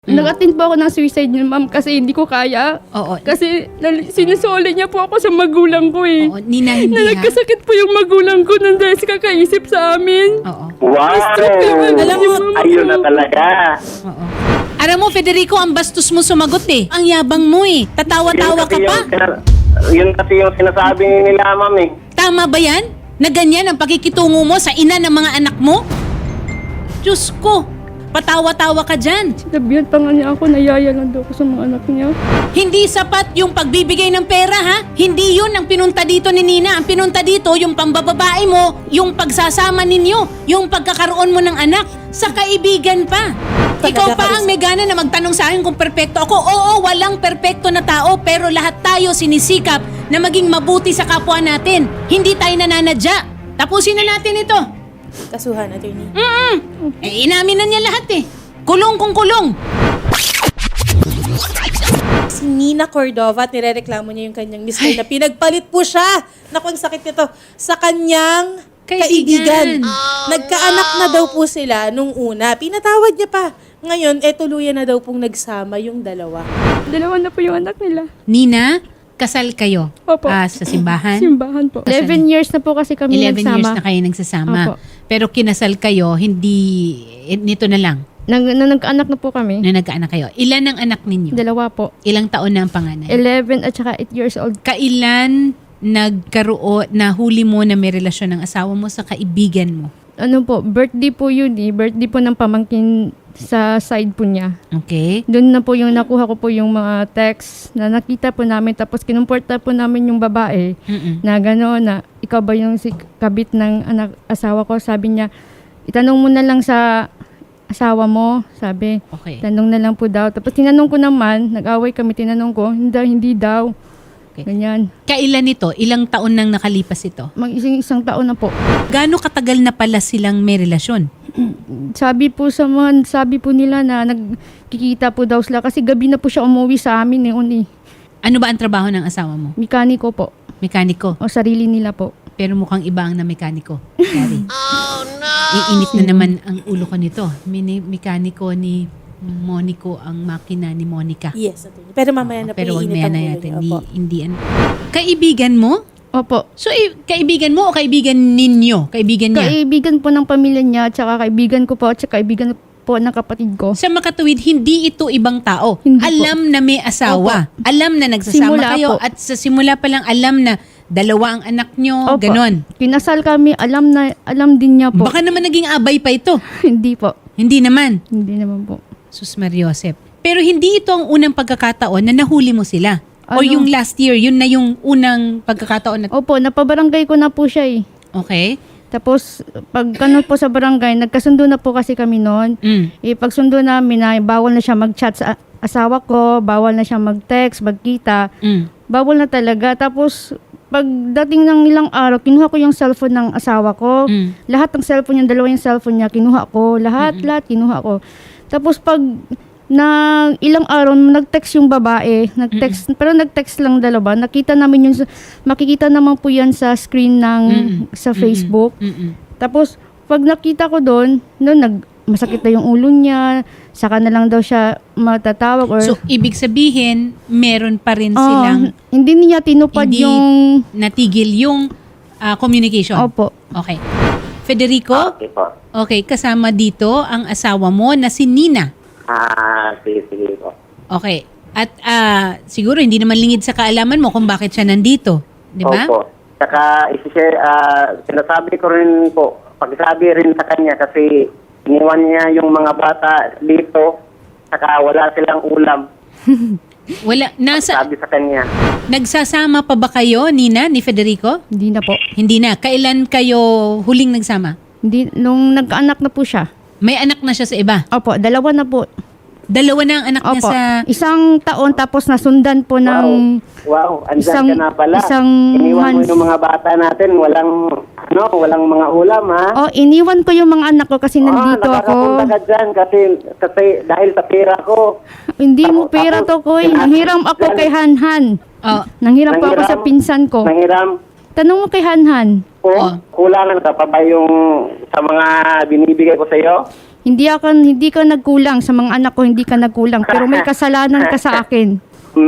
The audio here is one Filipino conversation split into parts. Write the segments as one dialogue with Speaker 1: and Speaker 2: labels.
Speaker 1: Nag-attend po ako ng suicide niya, ma'am, kasi hindi ko kaya.
Speaker 2: Oo.
Speaker 1: Kasi sinusoli niya po ako sa magulang ko eh.
Speaker 2: Oo, Nina, hindi
Speaker 1: Na nagkasakit po yung magulang ko nang dahil sa kakaisip sa amin.
Speaker 2: Oo.
Speaker 3: Wow!
Speaker 2: Alam mo,
Speaker 3: Ayun na talaga.
Speaker 2: Oo. Alam mo, Federico, ang bastos mo sumagot eh. Ang yabang mo eh. Tatawa-tawa ka pa.
Speaker 3: Yun kasi yung sinasabi nila, ma'am eh.
Speaker 2: Tama ba yan? Na ganyan ang pakikitungo mo sa ina ng mga anak mo? Diyos ko, patawa-tawa ka dyan.
Speaker 1: Sinabihan pa nga niya ako, nayaya lang daw ako sa mga anak niya.
Speaker 2: Hindi sapat yung pagbibigay ng pera, ha? Hindi yun ang pinunta dito ni Nina. Ang pinunta dito, yung pambababae mo, yung pagsasama ninyo, yung pagkakaroon mo ng anak, sa kaibigan pa. Ikaw pa ang may gana na magtanong sa akin kung perpekto ako. Oo, walang perpekto na tao, pero lahat tayo sinisikap na maging mabuti sa kapwa natin. Hindi tayo nananadya. Tapusin na natin ito.
Speaker 4: Kasuhan, attorney.
Speaker 2: Eh, inamin na niya lahat eh. Kulong kung kulong.
Speaker 4: Si Nina Cordova at nirereklamo niya yung kanyang mister na pinagpalit po siya. Naku, ang sakit nito. Sa kanyang kaibigan. Nagkaanak na daw po sila nung una. Pinatawad niya pa. Ngayon, tuluyan na daw pong nagsama yung dalawa.
Speaker 1: Dalawa na po yung anak nila.
Speaker 2: Nina, kasal kayo.
Speaker 1: Opo.
Speaker 2: Sa simbahan?
Speaker 1: Simbahan po. 11 years na po kasi kami
Speaker 2: 11
Speaker 1: nagsama.
Speaker 2: years na kayo nagsasama.
Speaker 1: Opo.
Speaker 2: Pero kinasal kayo, hindi, nito na lang,
Speaker 1: Nagkaanak na po kami.
Speaker 2: na nagkaanak kayo. Ilan ang anak ninyo?
Speaker 1: Dalawa po.
Speaker 2: Ilang taon na ang panganay?
Speaker 1: 11 at saka 8 years old.
Speaker 2: Kailan nahuli mo na may relasyon ng asawa mo sa kaibigan mo?
Speaker 1: Ano po, birthday po yun eh. Birthday po ng pamangkin sa side po niya.
Speaker 2: Okay?
Speaker 1: Doon na po yung nakuha ko po yung mga text na nakita po namin. Tapos kinumporta po namin yung babae na gano'n na ikaw ba yung si kabit ng asawa ko. Sabi niya, itanong mo na lang sa asawa mo. Sabi,
Speaker 2: Okay.
Speaker 1: tanong na lang po daw. Tapos tinanong ko naman, nag-away kami, tinanong ko, hindi daw.
Speaker 2: Okay.
Speaker 1: Ganyan.
Speaker 2: Kailan ito? Ilang taon nang nakalipas ito?
Speaker 1: Isang taon na po.
Speaker 2: Gaano katagal na pala silang may relasyon?
Speaker 1: Sabi po nila na nagkikita po daw sila kasi gabi na po siya umuwi sa amin noon eh.
Speaker 2: Ano ba ang trabaho ng asawa mo?
Speaker 1: Mekaniko po.
Speaker 2: Mekaniko.
Speaker 1: O sarili nila po.
Speaker 2: Pero mukhang iba ang na mekaniko. Sorry. Oh no! Iinit na naman ang ulo ko nito. Mekaniko ni Monico ang makina ni Monica.
Speaker 4: Yes, attorney. Pero mamaya na po
Speaker 2: Pero wag
Speaker 4: iinit
Speaker 2: maya
Speaker 4: ang
Speaker 2: na
Speaker 4: ulo
Speaker 2: natin.
Speaker 4: niya. Opo.
Speaker 2: Hindi kaibigan mo?
Speaker 1: Opo.
Speaker 2: So, kaibigan mo o kaibigan ninyo? Kaibigan niya?
Speaker 1: Kaibigan po ng pamilya niya, tsaka kaibigan ko po, tsaka kaibigan po ng kapatid ko.
Speaker 2: Sa makatuwid, hindi ito ibang tao.
Speaker 1: Hindi po.
Speaker 2: Alam na may asawa. Alam na nagsasama
Speaker 1: Simula
Speaker 2: kayo.
Speaker 1: po.
Speaker 2: At sa simula pa lang, alam na dalawa ang anak nyo.
Speaker 1: Opo.
Speaker 2: Ganon.
Speaker 1: Kinasal kami, alam din niya po.
Speaker 2: Baka naman naging abay pa ito.
Speaker 1: Hindi po.
Speaker 2: Hindi naman.
Speaker 1: Hindi naman po.
Speaker 2: Sus Mariosep. Pero hindi ito ang unang pagkakataon na nahuli mo sila. O
Speaker 1: Ano?
Speaker 2: yung last year, yun na yung unang pagkakataon na...
Speaker 1: Opo, napabarangay ko na po siya eh.
Speaker 2: Okay?
Speaker 1: Tapos, pag po sa barangay, nagkasundo na po kasi kami noon. Pagsundo namin na bawal na siya mag-chat sa asawa ko, bawal na siya mag-text, magkita. Bawal na talaga. Tapos, pagdating ng ilang araw, kinuha ko yung cellphone ng asawa ko. Lahat ng cellphone niya, dalawa yung cellphone niya, kinuha ko. Lahat kinuha ko. Tapos pag ilang araw, nag-text yung babae. Pero nag-text lang dalawa. Nakita namin yung, makikita naman po yan sa screen ng, sa Facebook. Tapos, pag nakita ko doon, masakit na yung ulo niya, saka na lang daw siya matatawag. Or,
Speaker 2: So, ibig sabihin, meron pa rin silang
Speaker 1: hindi niya tinupad
Speaker 2: hindi
Speaker 1: yung...
Speaker 2: natigil yung communication.
Speaker 1: Opo.
Speaker 2: Okay. Federico?
Speaker 3: Okay po.
Speaker 2: Okay, kasama dito ang asawa mo na si Nina.
Speaker 3: Sige po.
Speaker 2: Okay. At siguro hindi naman lingid sa kaalaman mo kung bakit siya nandito. Di ba?
Speaker 3: Opo. Saka, sinasabi ko rin po, pagsabi rin sa kanya kasi iniwan niya yung mga bata dito, saka wala silang ulam.
Speaker 2: Wala.
Speaker 3: Sabi sa kanya.
Speaker 2: Nagsasama pa ba kayo, Nina, ni Federico?
Speaker 1: Hindi na po.
Speaker 2: Hindi na. Kailan kayo huling nagsama?
Speaker 1: Hindi, nung nagkaanak na po siya.
Speaker 2: May anak na siya sa iba.
Speaker 1: Opo, dalawa na po.
Speaker 2: Dalawa na ang anak niya
Speaker 1: Opo.
Speaker 2: sa...
Speaker 1: Isang taon tapos nasundan po ng...
Speaker 3: Wow, andyan
Speaker 1: Isang-
Speaker 3: ka na pala.
Speaker 1: isang
Speaker 3: Iniwan mo
Speaker 1: months.
Speaker 3: yung mga bata natin, walang mga ulam, ha?
Speaker 1: Oh, iniwan ko yung mga anak ko kasi nandito
Speaker 3: nakakapunta
Speaker 1: ako.
Speaker 3: ka dyan kasi dahil sa pera ko.
Speaker 1: Hindi mo pera to, Koy. Nanghiram ako kay Hanhan.
Speaker 2: Oh,
Speaker 1: Nanghiram po ako sa pinsan ko.
Speaker 3: Nanghiram.
Speaker 1: Tanong mo kay Hanhan.
Speaker 3: O,
Speaker 2: Oh.
Speaker 3: kulangan ka pa ba yung sa mga binibigay ko sa iyo?
Speaker 1: Hindi ka nagkulang sa mga anak ko, hindi ka nagkulang. Pero may kasalanan ka sa akin.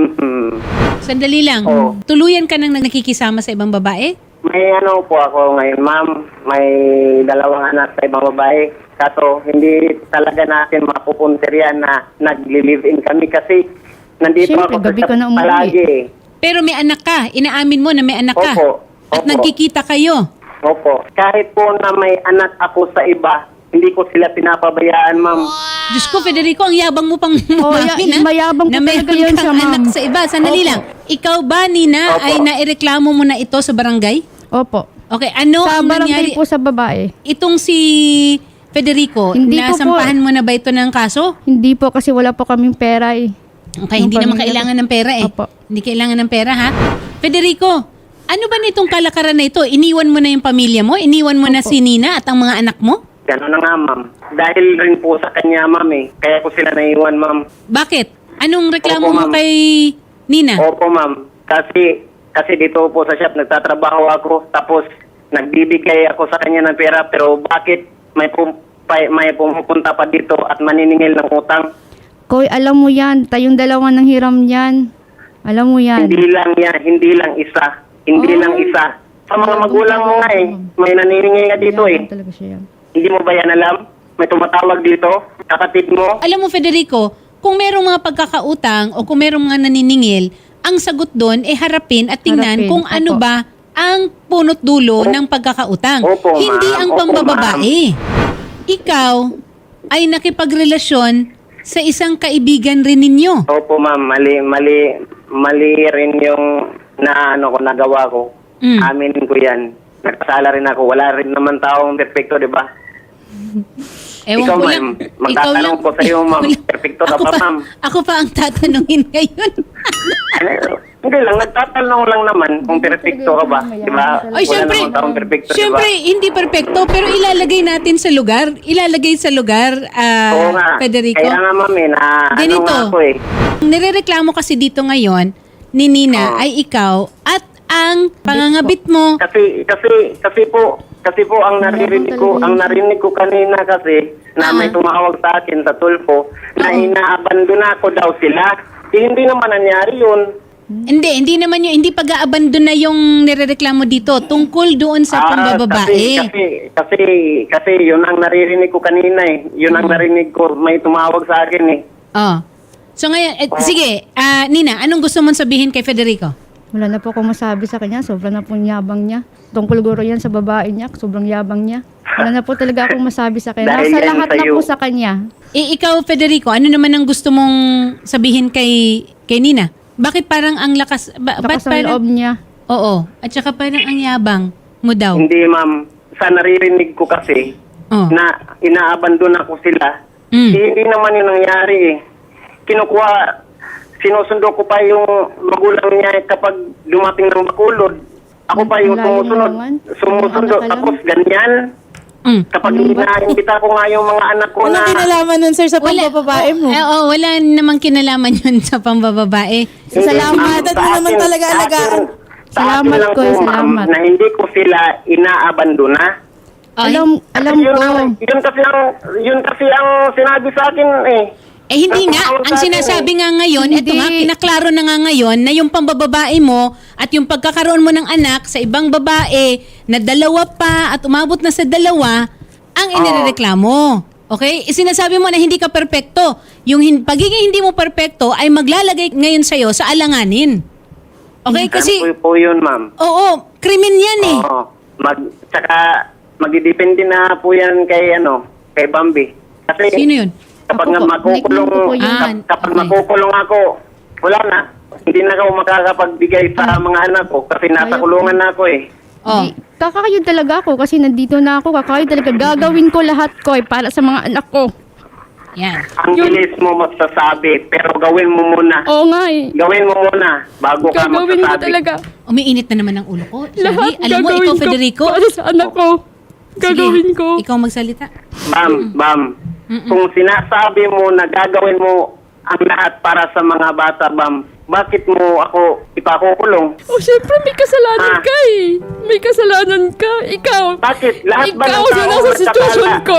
Speaker 2: Sandali lang.
Speaker 3: Oo.
Speaker 2: Tuluyan ka nang nakikisama sa ibang babae?
Speaker 3: May ano po ako ngayon, ma'am. May 2 anak sa ibang babae. Kaso hindi talaga natin mapupuntir yan na nagli-live-in kami kasi nandito
Speaker 1: Siyempre,
Speaker 3: ako
Speaker 1: gabi
Speaker 3: sa
Speaker 1: ka na umuwi.
Speaker 3: palagi eh.
Speaker 2: Pero may anak ka. Inaamin mo na may anak ka.
Speaker 3: Opo.
Speaker 2: At
Speaker 3: Opo.
Speaker 2: nagkikita kayo.
Speaker 3: Opo. Kahit po na may anak ako sa iba, hindi ko sila pinapabayaan, ma'am.
Speaker 2: Diyos ko, Federico, ang yabang mo pang umamin, ha?
Speaker 1: mayabang po
Speaker 2: na
Speaker 1: talaga
Speaker 2: meron
Speaker 1: yun
Speaker 2: kang
Speaker 1: siya, ma'am.
Speaker 2: anak sa iba. Sandali
Speaker 3: Opo.
Speaker 2: lang. Ikaw ba, Nina,
Speaker 3: Opo.
Speaker 2: ay naireklamo mo na ito sa barangay?
Speaker 1: Opo.
Speaker 2: Okay, ano
Speaker 1: Sa
Speaker 2: ang
Speaker 1: barangay
Speaker 2: nangyari?
Speaker 1: po sa babae.
Speaker 2: Itong si Federico,
Speaker 1: Hindi ko po.
Speaker 2: nasampahan mo na ba ito ng kaso?
Speaker 1: Hindi po kasi wala po kaming pera eh.
Speaker 2: Okay, hindi
Speaker 1: Yung
Speaker 2: naman
Speaker 1: pamilya
Speaker 2: kailangan ng pera eh.
Speaker 1: Opo.
Speaker 2: Hindi kailangan ng pera, ha? Federico, ano ba nitong kalakaran na ito? Iniwan mo na yung pamilya mo? Iniwan mo na si Nina at ang mga anak mo?
Speaker 3: Gano'n na nga, ma'am. Dahil rin po sa kanya, ma'am eh. Kaya ko sila naiwan, ma'am.
Speaker 2: Bakit? Anong reklamo
Speaker 3: Opo,
Speaker 2: mo
Speaker 3: ma'am.
Speaker 2: kay Nina?
Speaker 3: Opo, ma'am. Kasi dito po sa shop, nagtatrabaho ako. Tapos, nagbibigay ako sa kanya ng pera. Pero bakit may pumupunta pa dito at maniningil ng utang?
Speaker 1: Koy, alam mo yan. Tayong dalawa ng hiram yan. Alam mo yan.
Speaker 3: Hindi lang yan. Hindi lang isa. Hindi lang isa. Sa mga magulang mo nga eh. May naniningil nga dito eh.
Speaker 1: Mayabang talaga siya yan.
Speaker 3: Hindi mo ba yan alam? May tumatawag dito. Kapatid mo.
Speaker 2: Alam mo, Federico, kung merong mga pagkakautang o kung merong mga naniningil, ang sagot doon ay harapin at tingnan
Speaker 1: Harapin,
Speaker 2: kung ano
Speaker 1: opo.
Speaker 2: ba ang punot dulo ng pagkakautang.
Speaker 3: Opo,
Speaker 2: Hindi
Speaker 3: ma'am.
Speaker 2: ang
Speaker 3: Opo,
Speaker 2: pambababae. Ikaw ay nakipagrelasyon sa isang kaibigan rin ninyo.
Speaker 3: Opo, ma'am. Mali rin yung nagawa ko.
Speaker 2: Mm.
Speaker 3: Aminin ko yan. Nagpasala rin ako. Wala rin naman taong perfecto, di ba?
Speaker 2: Ewan
Speaker 3: Ikaw,
Speaker 2: ko
Speaker 3: ma'am.
Speaker 2: lang.
Speaker 3: Magtatanong ko sa iyo, ma'am. Perfecto ka
Speaker 2: Ako
Speaker 3: pa, ma'am.
Speaker 2: Ako pa ang tatanungin ngayon.
Speaker 3: Hindi lang. Nagtatanong lang naman kung perfecto ka ba. Di ba?
Speaker 2: Ay, syempre,
Speaker 3: Wala naman taong perfecto, di ba?
Speaker 2: syempre, hindi perfecto, pero ilalagay natin sa lugar. Ilalagay sa lugar,
Speaker 3: Oo nga.
Speaker 2: Federico.
Speaker 3: Kaya nga, ma'am, eh,
Speaker 2: Ganito.
Speaker 3: nga ako eh.
Speaker 2: Nirereklamo kasi dito ngayon ni Nina ay ikaw at ang pangangabit mo.
Speaker 3: Kasi po ang narinig ko kanina kasi na may tumawag sa akin sa tulpo na inaabandona ko daw sila. Hindi naman nangyari yun.
Speaker 2: Hindi naman yung, hindi pag-aabandon na yung nirereklamo dito tungkol doon sa pambababae.
Speaker 3: Kasi yun ang naririnig ko kanina eh. Yun ang narinig ko, may tumawag sa akin eh.
Speaker 2: Oh. So ngayon, sige, Nina, anong gusto mong sabihin kay Federico?
Speaker 1: Wala na po akong masabi sa kanya. Sobrang na pong yabang niya. Tungkol guro yan sa babae niya. Sobrang yabang niya. Wala na po talaga akong masabi sa kanya.
Speaker 3: Dahil
Speaker 1: Nasa
Speaker 3: yan
Speaker 1: lahat na
Speaker 3: sa'yo.
Speaker 1: po sa kanya.
Speaker 2: Ikaw, Federico, ano naman ang gusto mong sabihin kay Nina? Bakit parang ang lakas, ba't
Speaker 1: Lakas ang loob niya.
Speaker 2: Oo, at saka parang ang yabang mo daw.
Speaker 3: Hindi ma'am, sa naririnig ko kasi
Speaker 2: Oh.
Speaker 3: na inaabandona ko sila.
Speaker 2: Mm.
Speaker 3: Hindi naman yun nangyari eh. Sinusundo ko pa yung magulang niya kapag dumating ng Bacolod. Ako pa yung
Speaker 1: Ang layo
Speaker 3: sumusunod.
Speaker 1: naman.
Speaker 3: Sumusundo.
Speaker 1: Ang anak ka
Speaker 3: Tapos ganyan.
Speaker 2: Mm.
Speaker 3: Kapag ina-invita ko nga yung mga anak ko na...
Speaker 4: Walang kinalaman nun, sir, sa pambababae mo.
Speaker 2: Wala namang kinalaman yun sa pambababae.
Speaker 3: Hindi,
Speaker 4: Salamat
Speaker 3: ma'am,
Speaker 4: at
Speaker 3: sa
Speaker 4: mo naman
Speaker 3: akin-
Speaker 4: talaga
Speaker 3: sa akin-
Speaker 4: alagaan.
Speaker 3: sa akin
Speaker 1: Salamat
Speaker 3: lang
Speaker 1: ko,
Speaker 3: po, ma'am,
Speaker 1: salamat.
Speaker 3: na hindi ko sila inaabandona.
Speaker 1: Alam
Speaker 3: Kasi
Speaker 1: ko.
Speaker 3: yun kasi ang sinabi sa akin eh.
Speaker 2: Hindi
Speaker 3: Ang
Speaker 2: nga,
Speaker 3: tawag
Speaker 2: ang
Speaker 3: sa akin
Speaker 2: sinasabi nga ngayon,
Speaker 1: Hindi.
Speaker 2: eto nga, kinaklaro na nga ngayon na yung pambababae mo at yung pagkakaroon mo ng anak sa ibang babae na 2 pa at umabot na sa 2, ang inireklamo. Okay? Sinasabi mo na hindi ka perpekto. Yung pagiging hindi mo perpekto ay maglalagay ngayon sa'yo sa alanganin. Okay? Kasi,
Speaker 3: Ano po yun, ma'am?
Speaker 2: oo, krimen yan eh.
Speaker 3: Oo. Tsaka magdidepende na po yan kay Bambi. Kasi
Speaker 2: Sino yun?
Speaker 3: kapag
Speaker 1: Ako
Speaker 3: nga
Speaker 1: po.
Speaker 3: makukulong,
Speaker 1: Nickname ko po yun.
Speaker 3: kapag
Speaker 2: okay.
Speaker 3: makukulong ako, wala na. Hindi na ako makakapagbigay sa mga anak ko kasi nasa
Speaker 1: Ayaw
Speaker 3: kulungan na ako eh.
Speaker 2: Oh.
Speaker 1: Kakayod talaga ako kasi nandito na ako. Kakayod talaga. Gagawin ko lahat ko para sa mga anak ko.
Speaker 2: Yan.
Speaker 3: Ang bilis mo magsasabi, pero gawin mo muna.
Speaker 1: Oo nga eh.
Speaker 3: Gawin mo muna bago ka
Speaker 1: Gagawin ko
Speaker 3: magsasabi.
Speaker 1: talaga.
Speaker 2: Umiinit na naman ang ulo ko.
Speaker 1: Lahat
Speaker 2: Shari, alam mo,
Speaker 1: gagawin
Speaker 2: ikaw,
Speaker 1: ko
Speaker 2: Federico,
Speaker 1: para sa anak ko. Gagawin
Speaker 2: sige,
Speaker 1: ko.
Speaker 2: ikaw magsalita.
Speaker 3: Bam. Kung sinasabi mo na gagawin mo ang lahat para sa mga bata, Bam, bakit mo ako ipakukulong?
Speaker 1: Oh, syempre may kasalanan ka eh. May kasalanan ka. Ikaw.
Speaker 3: Bakit? Lahat ba
Speaker 1: Ikaw
Speaker 3: ng
Speaker 1: na
Speaker 3: tao
Speaker 1: nasa sitwasyon
Speaker 3: magkasala?
Speaker 1: ko.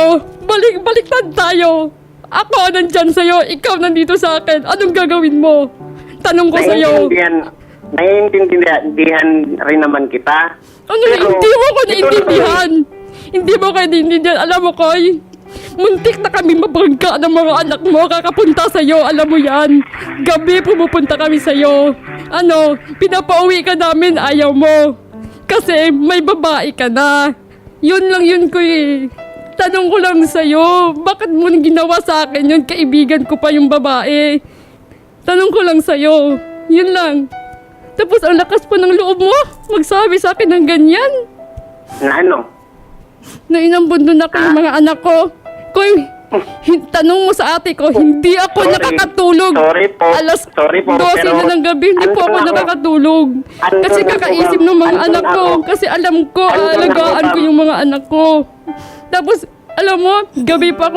Speaker 5: baliktad tayo. Ako nandyan sa'yo, ikaw nandito sa akin. Anong gagawin mo? Tanong ko sa'yo.
Speaker 3: Naiintindihan rin naman kita.
Speaker 5: Ano,
Speaker 3: Pero,
Speaker 5: hindi mo ko
Speaker 3: ito
Speaker 5: naiintindihan. Hindi mo ko naiintindihan. Alam mo, Koy, muntik na kami mabangga ng mga anak mo kakapunta sa'yo. Alam mo yan. Gabi pumupunta kami sa'yo. Ano, pinapauwi ka namin, ayaw mo. Kasi may babae ka na. Yun lang yun, Koy. Tanong ko lang sa'yo, bakit mo ginawa sa akin yun? Kaibigan ko pa yung babae. Tanong ko lang sa'yo. Yun lang. Tapos ang lakas pa ng loob mo, magsabi sa akin ng ganyan.
Speaker 3: Na ano?
Speaker 5: Na inambundon ako ng mga anak ko. Koy, tanong mo sa ate ko, hindi ako
Speaker 3: Sorry.
Speaker 5: nakakatulog.
Speaker 3: Sorry po,
Speaker 5: 12
Speaker 3: pero
Speaker 5: na ng gabi, hindi po ako
Speaker 3: andun ako.
Speaker 5: nakakatulog. Kasi
Speaker 3: Andun ako,
Speaker 5: kakaisip
Speaker 3: ma'am.
Speaker 5: ng mga
Speaker 3: Andun
Speaker 5: anak ko.
Speaker 3: ako.
Speaker 5: Kasi alam ko,
Speaker 3: Andun ako,
Speaker 5: aalagaan ko
Speaker 3: ma'am.
Speaker 5: yung mga anak ko. Tapos, alam mo, gabi pa ako,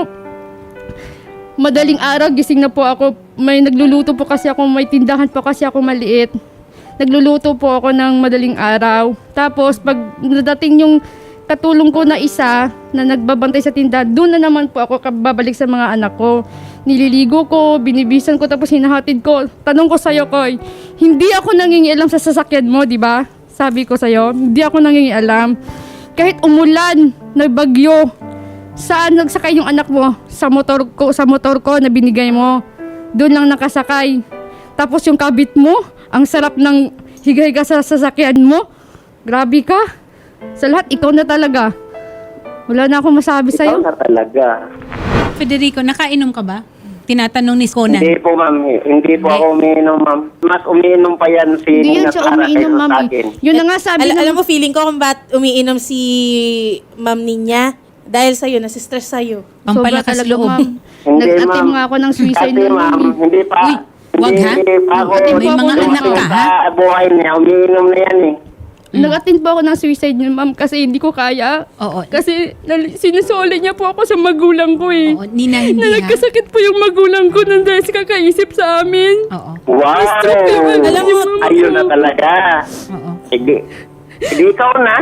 Speaker 5: madaling araw, gising na po ako. May nagluluto po kasi ako, may tindahan po kasi ako maliit. Nagluluto po ako ng madaling araw. Tapos, pag nadating yung katulong ko na isa na nagbabantay sa tindahan, doon na naman po ako babalik sa mga anak ko. Nililigo ko, binibisan ko, tapos hinahatid ko. Tanong ko sa'yo, Koy, hindi ako nangingialam sa sasakyan mo, di ba? Sabi ko sa'yo, hindi ako nangingialam. Kahit umulan, nagbagyo, saan nagsakay yung anak mo? Sa motor ko na binigay mo. Doon lang nakasakay. Tapos yung kabit mo, ang sarap ng higa-higa sa sasakyan mo. Grabe ka. Sa lahat, ikaw na talaga. Wala na akong masabi
Speaker 3: Ikaw
Speaker 5: sa'yo.
Speaker 3: na talaga.
Speaker 2: Federico, nakainom ka ba? Tinatanong ni Conan.
Speaker 3: Hindi po, ma'am. Hindi po ako umiinom, ma'am. Mas umiinom pa yan si
Speaker 1: Hindi
Speaker 3: Nina
Speaker 1: yun siya
Speaker 3: Clara
Speaker 1: umiinom,
Speaker 3: kaysa
Speaker 1: ma'am.
Speaker 3: sa akin.
Speaker 1: Yun na nga sabi
Speaker 4: Alam
Speaker 1: ng...
Speaker 4: mo, feeling ko kung ba't umiinom si Ma'am Ninya. Dahil sa'yo, nasistress sa'yo.
Speaker 2: Pampalakas
Speaker 1: Sobra talaga,
Speaker 2: loob.
Speaker 1: ma'am.
Speaker 3: Hindi,
Speaker 1: Nag-atim
Speaker 3: ma'am.
Speaker 1: nga ako ng suicide
Speaker 3: Kasi,
Speaker 1: nun,
Speaker 3: ma'am,
Speaker 1: ma'am.
Speaker 3: hindi pa.
Speaker 2: Uy, wag, ha?
Speaker 3: Hindi pa ako.
Speaker 1: May
Speaker 3: hindi
Speaker 1: mga
Speaker 3: pa
Speaker 2: anak
Speaker 3: ako
Speaker 2: ka, ha?
Speaker 3: Sa buhay niya, umiinom na yan eh.
Speaker 1: Nag-attend po ako ng suicide niya, ma'am, kasi hindi ko kaya.
Speaker 2: Oo.
Speaker 1: Kasi sinusoli niya po ako sa magulang ko eh.
Speaker 2: Oo, Nina, hindi
Speaker 1: Na
Speaker 2: ha?
Speaker 1: nagkasakit po yung magulang ko nang dahil sa kakaisip sa amin.
Speaker 2: Oo.
Speaker 3: Wow!
Speaker 4: Alam mo,
Speaker 3: Ayun na talaga.
Speaker 2: Oo.
Speaker 3: Sige. Sige, ikaw na.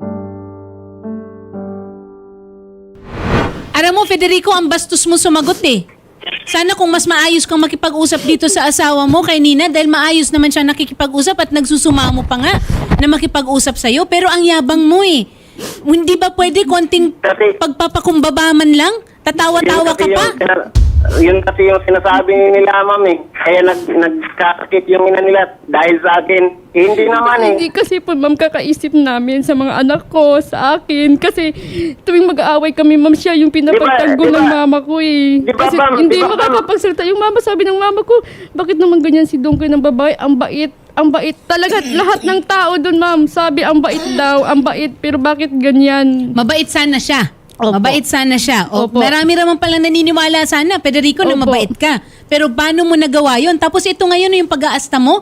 Speaker 2: Alam mo, Federico, ang bastos mo sumagot eh. Sana kung mas maayos kang makipag-usap dito sa asawa mo kay Nina dahil maayos naman siya nakikipag-usap at nagsusumamo pa nga na makipag-usap sa'yo. Pero ang yabang mo eh. Hindi ba pwede konting
Speaker 3: Kasi-
Speaker 2: pagpapakumbaba man lang? Tatawa-tawa ka pa?
Speaker 3: Yun kasi yung sinasabi nila, ma'am eh. Kaya nagkasakit yung ina nila dahil sa akin. Eh, hindi naman eh.
Speaker 5: Hindi kasi po, ma'am, kakaisip namin sa mga anak ko, sa akin. Kasi tuwing mag-aaway kami, ma'am, siya yung pinapagtanggol
Speaker 3: Di ba-
Speaker 5: ng mama ko eh.
Speaker 3: Di ba,
Speaker 5: Kasi
Speaker 3: ma'am?
Speaker 5: hindi
Speaker 3: Di ba, ma'am?
Speaker 5: makakapagsalita yung mama. Sabi ng mama ko, bakit naman ganyan si Dongkoy ng babae? Ang bait. Ang bait. Talaga, lahat ng tao doon, ma'am, sabi ang bait daw, ang bait. Pero bakit ganyan?
Speaker 2: Mabait sana siya.
Speaker 5: Opo.
Speaker 2: Mabait sana siya. O,
Speaker 5: Opo.
Speaker 2: marami naman palang naniniwala sana, Federico, na
Speaker 5: Opo.
Speaker 2: mabait ka. Pero paano mo nagawa yun? Tapos ito ngayon yung pag-aasta mo,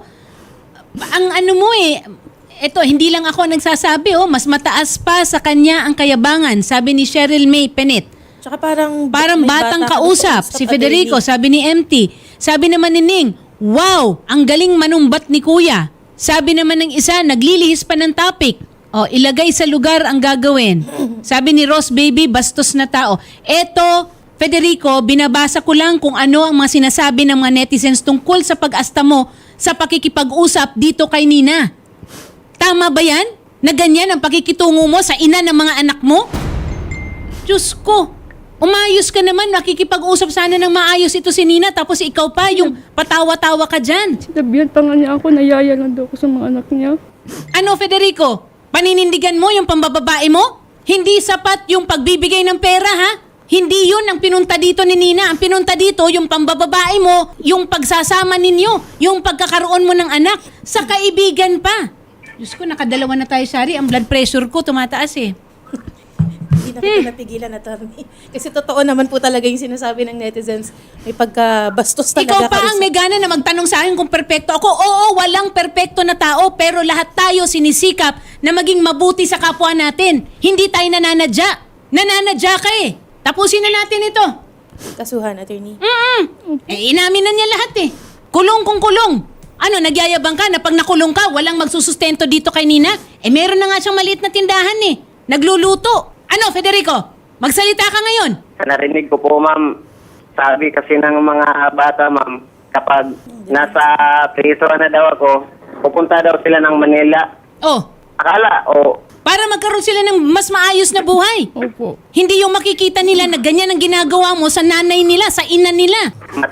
Speaker 2: ang ano mo eh, ito, hindi lang ako nagsasabi, mas mataas pa sa kanya ang kayabangan, sabi ni Cheryl May Penet.
Speaker 4: tsaka parang
Speaker 2: Parang
Speaker 4: may
Speaker 2: batang
Speaker 4: bata
Speaker 2: kausap, si Federico, sabi ni MT. Sabi naman ni Ning, wow, ang galing manumbat ni Kuya. Sabi naman ng isa, naglilihis pa ng topic. O, ilagay sa lugar ang gagawin. Sabi ni Ross Baby, bastos na tao. Eto, Federico, binabasa ko lang kung ano ang mga sinasabi ng mga netizens tungkol sa pag-asta mo sa pakikipag-usap dito kay Nina. Tama ba yan? Na ganyan ang pakikitungo mo sa ina ng mga anak mo? Diyos ko, umayos ka naman, nakikipag-usap sana ng maayos ito si Nina, tapos ikaw pa, yung patawa-tawa ka dyan.
Speaker 5: Sinabihan pa nga niya ako, nayaya lang daw ako sa mga anak niya.
Speaker 2: Ano, Federico? Paninindigan mo yung pambababae mo? Hindi sapat yung pagbibigay ng pera, ha? Hindi yun ang pinunta dito ni Nina. Ang pinunta dito, yung pambababae mo, yung pagsasama ninyo, yung pagkakaroon mo ng anak, sa kaibigan pa. Diyos ko, nakadalawa na tayo, Shari. Ang blood pressure ko tumataas eh.
Speaker 4: Hindi na kita napigilan, attorney. Kasi totoo naman po talaga yung sinasabi ng netizens. May pagkabastos talaga.
Speaker 2: Ikaw pa ang may gana na magtanong sa akin kung perpekto ako. Oo, walang perpekto na tao, pero lahat tayo sinisikap na maging mabuti sa kapwa natin. Hindi tayo nananadya. Nananadya ka eh. Tapusin na natin ito.
Speaker 4: Kasuhan, attorney.
Speaker 2: Inamin na niya lahat eh. Kulong kung kulong. Ano, nagyayabang ka na pag nakulong ka, walang magsusustento dito kay Nina? Meron na nga siyang maliit na tindahan eh. Nagluluto. Ano, Federico? Magsalita ka ngayon.
Speaker 3: Sa narinig ko po, ma'am, sabi kasi ng mga bata, ma'am, kapag nasa priso na daw ako, pupunta daw sila ng Manila.
Speaker 2: Oh,
Speaker 3: Akala,
Speaker 2: para magkaroon sila ng mas maayos na buhay.
Speaker 5: Opo.
Speaker 2: Hindi yung makikita nila na ganyan ang ginagawa mo sa nanay nila, sa ina nila.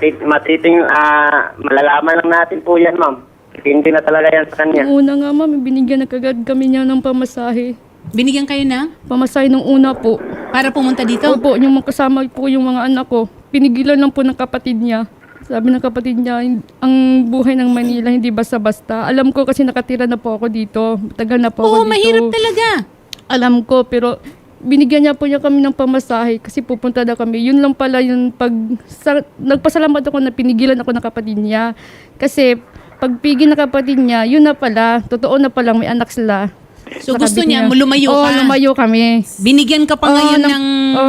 Speaker 3: malalaman lang natin po yan, ma'am. Hindi na talaga yan sa kanya.
Speaker 5: Nung una nga ma'am, binigyan na kagad kami niya ng pamasahe.
Speaker 2: Binigyan kayo ng
Speaker 5: Pamasahe nung una po.
Speaker 2: para pumunta dito?
Speaker 5: Opo, yung mga kasama po yung mga anak ko. Pinigilan lang po ng kapatid niya. Sabi ng kapatid niya, ang buhay ng Manila hindi basta-basta. Alam ko kasi nakatira na po ako dito. Tagal na po ako
Speaker 2: Oo,
Speaker 5: dito.
Speaker 2: mahirap talaga.
Speaker 5: Alam ko, pero binigyan niya po niya kami ng pamasahe kasi pupunta na kami. Yun lang pala yung nagpasalamat ako na pinigilan ako ng kapatid niya. Kasi pag pigil ng kapatid niya, yun na pala, totoo na palang may anak sila.
Speaker 2: So
Speaker 5: Sa
Speaker 2: gusto
Speaker 5: kabit
Speaker 2: niya, lumayo
Speaker 5: Oo,
Speaker 2: ka.
Speaker 5: lumayo kami.
Speaker 2: Binigyan ka pa ngayon ng...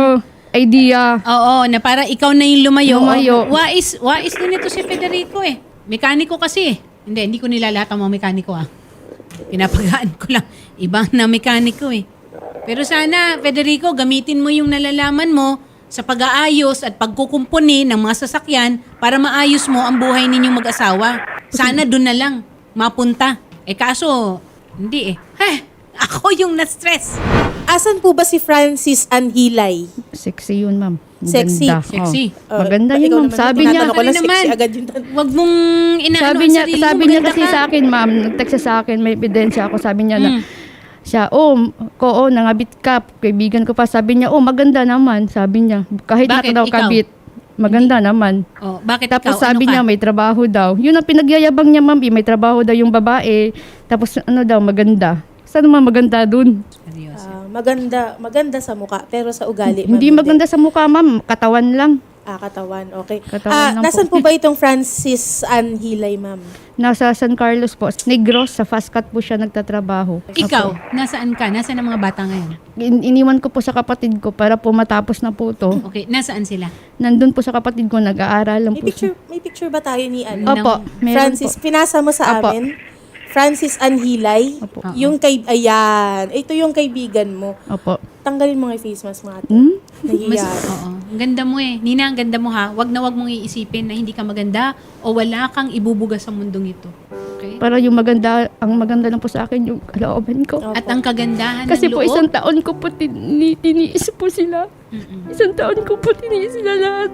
Speaker 5: Idea.
Speaker 2: Oo, na para ikaw na yung lumayo.
Speaker 5: Lumayo.
Speaker 2: Wais din ito si Federico eh. Mekaniko kasi. Hindi ko nilalahat ang mga mekaniko ah. Pinapagaan ko lang. Ibang na mekaniko eh. Pero sana, Federico, gamitin mo yung nalalaman mo sa pag-aayos at pagkukumpuni ng mga sasakyan para maayos mo ang buhay ninyong mag-asawa. Sana doon na lang mapunta. Kaso, hindi eh. Ako yung na-stress.
Speaker 4: Asan po ba si Francis Anhilay?
Speaker 1: Sexy yun, ma'am.
Speaker 4: Sexy.
Speaker 1: Ganda.
Speaker 2: Sexy.
Speaker 1: Maganda
Speaker 4: Ikaw
Speaker 1: yun, ma'am.
Speaker 4: naman,
Speaker 1: Sabi niya,
Speaker 4: tinatanong ko lang,
Speaker 2: Naman.
Speaker 4: sexy agad yun.
Speaker 2: Huwag mong inaano
Speaker 1: sabi
Speaker 2: ang
Speaker 1: niya,
Speaker 2: sarili mo.
Speaker 1: sabi niya
Speaker 2: Maganda
Speaker 1: kasi
Speaker 2: ka.
Speaker 1: sa akin, ma'am, nag-text siya sa akin, may ebidensya ako, sabi niya na, siya, nangabit ka, kaibigan ko pa, sabi niya, maganda naman, sabi niya, kahit
Speaker 2: Bakit?
Speaker 1: na daw
Speaker 2: Ikaw?
Speaker 1: kabit, maganda naman.
Speaker 2: Oh, bakit
Speaker 1: Tapos
Speaker 2: ikaw?
Speaker 1: sabi
Speaker 2: Ano ka?
Speaker 1: niya, may trabaho daw. Yun ang pinagyayabang niya, ma'am, may trabaho daw yung babae, tapos maganda. Saan naman maganda dun?
Speaker 2: Seryoso.
Speaker 4: Maganda sa mukha, pero sa ugali,
Speaker 1: Hindi
Speaker 4: ma'am,
Speaker 1: maganda sa mukha, ma'am, katawan lang.
Speaker 4: Katawan, okay.
Speaker 1: Katawan lang
Speaker 4: Nasaan
Speaker 1: po.
Speaker 4: po ba itong Francis Anhilay, ma'am?
Speaker 1: Nasa San Carlos po, Negros, sa fast cut po siya nagtatrabaho.
Speaker 2: Ikaw, nasaan ka? Nasaan ang mga bata ngayon?
Speaker 1: Iniwan ko po sa kapatid ko para po matapos na po to.
Speaker 2: Okay, nasaan sila?
Speaker 1: Nandun po sa kapatid ko, nag-aaral lang po siya.
Speaker 4: May picture ba tayo ni ano?
Speaker 1: Opo, meron
Speaker 4: Francis,
Speaker 1: po.
Speaker 4: pinasa mo sa
Speaker 1: Opo.
Speaker 4: amin. Francis Anhilay.
Speaker 1: Opo.
Speaker 4: Yung ayan. Ito yung kaibigan mo.
Speaker 1: Opo.
Speaker 4: Tanggalin mo nga yung face mask mo ate. Nahiya.
Speaker 2: Oo. Ang ganda mo eh. Nina, ang ganda mo ha. Wag mong iisipin na hindi ka maganda o wala kang ibubuga sa mundong ito. Okay?
Speaker 1: Para yung ang maganda lang po sa akin yung kalooban ko.
Speaker 4: Opo.
Speaker 2: At ang kagandahan
Speaker 1: Kasi
Speaker 2: ng
Speaker 1: po
Speaker 2: loob.
Speaker 1: isang taon ko po tiniis po sila. Isang taon ko po tiniis sila lahat.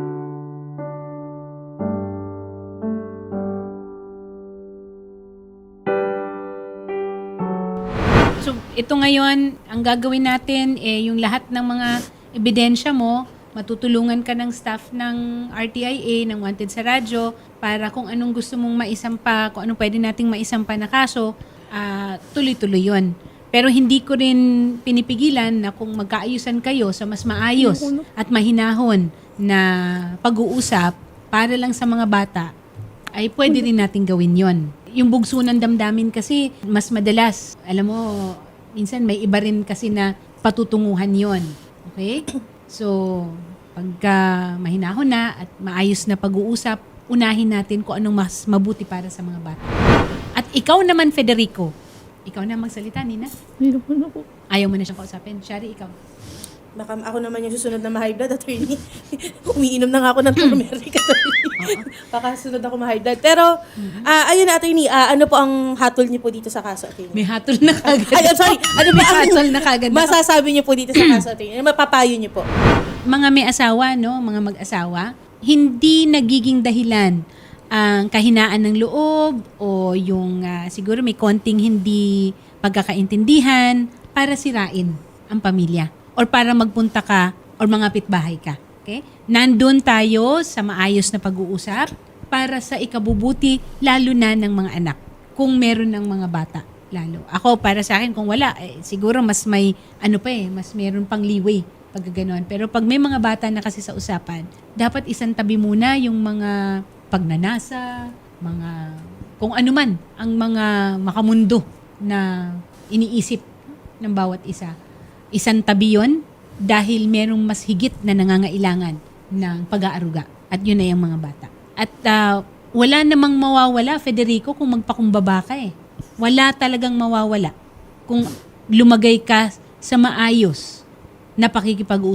Speaker 2: So, ito ngayon, ang gagawin natin, yung lahat ng mga ebidensya mo, matutulungan ka ng staff ng RTIA, ng Wanted sa Radyo, para kung anong gusto mong maisampa, kung anong pwede nating maisampa na kaso, tuloy-tuloy yun. Pero hindi ko rin pinipigilan na kung magkaayusan kayo sa mas maayos at mahinahon na pag-uusap para lang sa mga bata, ay pwede rin natin gawin yon. Yung bugso ng damdamin kasi, mas madalas, alam mo, minsan may iba rin kasi na patutunguhan yon. Okay? So, pagka mahinahon na at maayos na pag-uusap, unahin natin kung anong mas mabuti para sa mga bata. At ikaw naman, Federico, ikaw na magsalita, Nina.
Speaker 1: Meron ako.
Speaker 2: Ayaw mo na siyang kausapin. Shari, ikaw.
Speaker 4: Baka ako naman yung susunod na ma-high blood, attorney. Umiinom na nga ako ng turmeric, attorney. Baka sunod ako ma-high blood. Pero, ayun na, attorney, ano po ang hatol niyo po dito sa kaso, attorney?
Speaker 2: May hatol na kagad.
Speaker 4: Ay, I'm sorry. Ano ba
Speaker 2: May
Speaker 4: ang
Speaker 2: hatol na kagad.
Speaker 4: masasabi niyo po dito sa kaso, attorney? Ano mapapayo niyo po?
Speaker 2: Mga may asawa, no, mga mag-asawa, hindi nagiging dahilan ang kahinaan ng loob o yung siguro may konting hindi pagkakaintindihan para sirain ang pamilya or para magpunta ka or mangapit bahay ka. Okay? Nandun tayo sa maayos na pag-uusap para sa ikabubuti lalo na ng mga anak. Kung meron ng mga bata lalo. Ako para sa akin kung wala siguro mas may mas meron pang leeway pag gano'n. Pero pag may mga bata na kasi sa usapan, dapat isang tabi muna yung mga pagnanasa, mga kung ano man ang mga makamundo na iniisip ng bawat isa. Isang tabi yun dahil merong mas higit na nangangailangan ng pag-aaruga. At yun na yung mga bata. At wala namang mawawala, Federico, kung magpakumbaba ka eh. Wala talagang mawawala kung lumagay ka sa maayos na pakikipag-usap.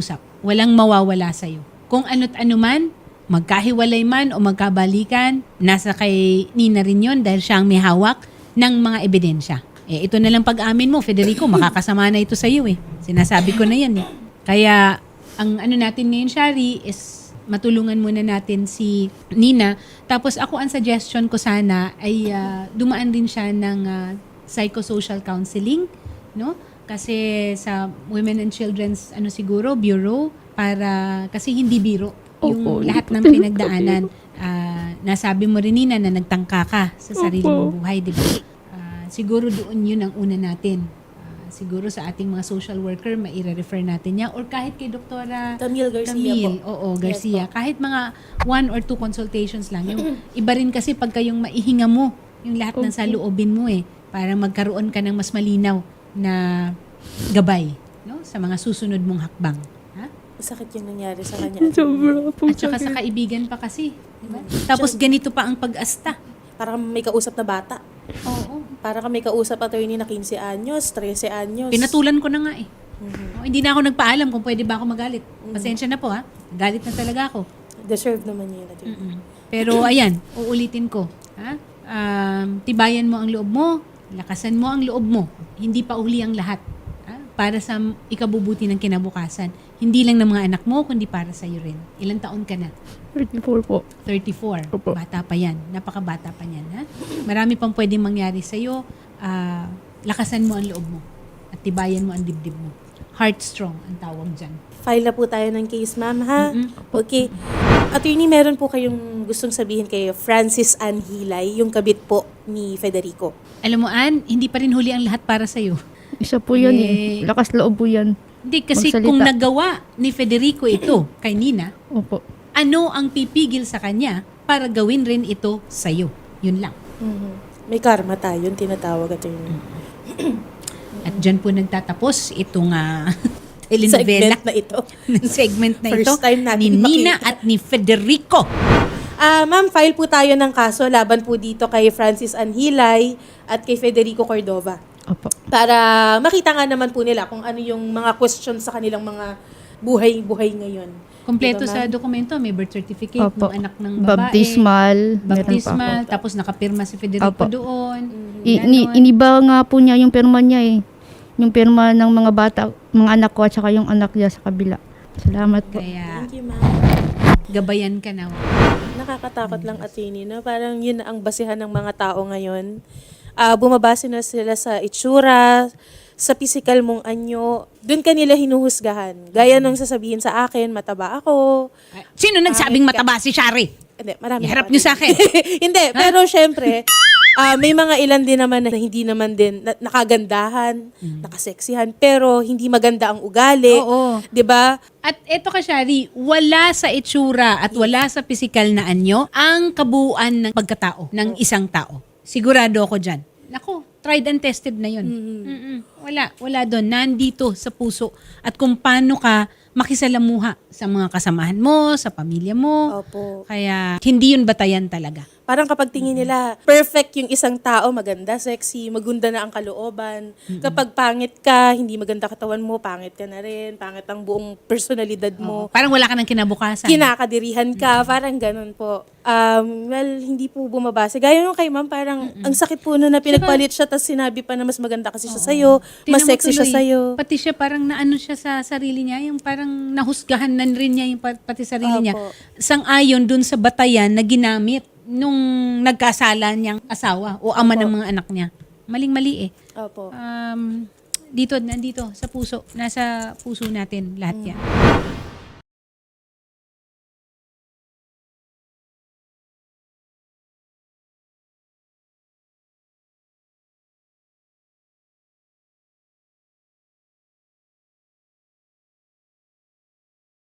Speaker 2: walang mawawala sa'yo. Kung ano't ano man, magkahiwalay man o magkabalikan, nasa kay Nina rin yun dahil siya ang may hawak ng mga ebidensya. Ito na lang pag-amin mo, Federico, makakasama na ito sa iyo eh. Sinasabi ko na yan eh. Kaya, ang ano natin ngayon, Shari, is matulungan muna natin si Nina. Tapos ako, ang suggestion ko sana ay dumaan din siya ng psychosocial counseling, no? Kasi sa Women and Children's siguro bureau para kasi hindi biro yung lahat ng pinagdaanan. Nasabi mo rin, Nina, na nagtangka ka sa sarili mong buhay, di ba? Siguro doon yun ang una natin. Siguro sa ating mga social worker, maire-refer natin niya. Or kahit kay Doktora
Speaker 4: Camille Garcia
Speaker 2: Camille,
Speaker 4: po.
Speaker 2: oo, Garcia. Kahit mga 1 or 2 consultations lang. Yung iba rin kasi pagka yung maihinga mo, yung lahat ng saloobin mo para magkaroon ka ng mas malinaw na gabay, no, sa mga susunod mong hakbang. Ha?
Speaker 4: Sakit yung nangyari sa kanya.
Speaker 5: Sobra po.
Speaker 2: At saka sa kaibigan pa kasi. Diba? Tapos ganito pa ang pag-asta.
Speaker 4: Parang may kausap na bata.
Speaker 2: Oo.
Speaker 4: Para kami kausap attorney na 15 anyos, 13 anyos.
Speaker 2: Pinatulan ko na nga eh. Hindi na ako nagpaalam kung pwede ba ako magalit. Pasensya na po ha. Galit na talaga ako.
Speaker 4: Deserve naman yun. Attorney.
Speaker 2: Pero ayan, uulitin ko. Ha? Tibayan mo ang loob mo. Lakasan mo ang loob mo. Hindi pa uli ang lahat. Ha? Para sa ikabubuti ng kinabukasan. Hindi lang ng mga anak mo, kundi para sa iyo rin. Ilang taon ka na?
Speaker 5: 34 po.
Speaker 2: 34.
Speaker 5: Opo.
Speaker 2: Bata pa yan. Napakabata pa yan. Ha? Marami pang pwedeng mangyari sa'yo. Lakasan mo ang loob mo. At tibayan mo ang dibdib mo. Heart strong ang tawag dyan.
Speaker 4: File na po tayo ng case, ma'am, ha? Okay. Attorney, meron po kayong gustong sabihin kay Francis Ann Hilay, yung kabit po ni Federico.
Speaker 2: Alam mo, Ann, hindi pa rin huli ang lahat para sa'yo.
Speaker 1: Isa po yun eh. Lakas loob po yan.
Speaker 2: Hindi, kasi
Speaker 1: Magsalita.
Speaker 2: kung nagawa ni Federico ito kay Nina,
Speaker 1: Opo.
Speaker 2: ano ang pipigil sa kanya para gawin rin ito sa'yo? Yun lang.
Speaker 4: May karma tayo, yung tinatawag attorney.
Speaker 2: At dyan po nagtatapos itong telenovela.
Speaker 4: Segment na ito.
Speaker 2: segment na
Speaker 4: First
Speaker 2: ito
Speaker 4: time natin
Speaker 2: ni Nina
Speaker 4: makita.
Speaker 2: at ni Federico.
Speaker 4: Ma'am, file po tayo ng kaso laban po dito kay Francis Ann Hilay at kay Federico Cordova.
Speaker 1: Opo.
Speaker 4: Para makita nga naman po nila kung ano yung mga questions sa kanilang mga buhay-buhay ngayon.
Speaker 2: Kompleto
Speaker 4: Diba,
Speaker 2: sa
Speaker 4: ma'am?
Speaker 2: dokumento, may birth certificate
Speaker 1: Opo.
Speaker 2: ng anak ng babae.
Speaker 1: Baptismal. Meron pa
Speaker 2: Baptismal,
Speaker 1: ako.
Speaker 2: tapos nakapirma si Federico
Speaker 1: Opo.
Speaker 2: doon. Ganon.
Speaker 1: Iniba nga po niya yung pirma niya eh. Yung pirma ng mga bata, mga anak ko at saka yung anak niya sa kabila. Salamat po.
Speaker 2: Kaya
Speaker 4: Thank you, ma'am.
Speaker 2: gabayan ka na.
Speaker 4: Nakakatakot lang attorney, no? Parang yun ang basihan ng mga tao ngayon. Bumabase na sila sa itsura, sa physical mong anyo. Doon kanila hinuhusgahan. Gaya nung sasabihin sa akin, mataba ako.
Speaker 2: Sino nagsabing mataba si Shari?
Speaker 4: Hindi, marami.
Speaker 2: Iharap
Speaker 4: naman.
Speaker 2: niyo sa akin.
Speaker 4: Hindi, pero syempre, may mga ilan din naman na hindi naman din nakagandahan, nakaseksihan, pero hindi maganda ang ugali.
Speaker 2: Oo.
Speaker 4: 'Di ba?
Speaker 2: At eto ka, Shari, wala sa itsura at wala sa pisikal na anyo ang kabuuan ng pagkatao ng isang tao. Sigurado ako dyan. Nako, tried and tested na yun. Wala doon. Nandito sa puso. At kung paano ka makisalamuha sa mga kasamahan mo, sa pamilya mo.
Speaker 4: Opo.
Speaker 2: Kaya hindi yun batayan talaga.
Speaker 4: Parang kapag tingin nila, perfect yung isang tao, maganda, sexy, maganda na ang kalooban. Kapag pangit ka, hindi maganda katawan mo, pangit ka na rin, pangit ang buong personalidad mo.
Speaker 2: Parang wala ka ng kinabukasan.
Speaker 4: Kinakadirihan ka, parang ganun po. Well, hindi po bumabase. Gaya nung kay ma'am, parang ang sakit po na pinagpalit siya, tapos sinabi pa na mas maganda kasi siya sa'yo,
Speaker 2: Tingnan
Speaker 4: mas
Speaker 2: mo
Speaker 4: sexy siya
Speaker 2: tuloy,
Speaker 4: sa'yo.
Speaker 2: Pati siya parang naano siya sa sarili niya, yung parang nahusgahan na rin niya yung pati sarili niya.
Speaker 4: Opo.
Speaker 2: Sang-ayon dun sa batayan na ginamit nung nagkasala niyang asawa o ama ng mga anak niya. Maling-mali eh.
Speaker 4: Opo.
Speaker 2: Nandito sa puso, nasa puso natin lahat yan.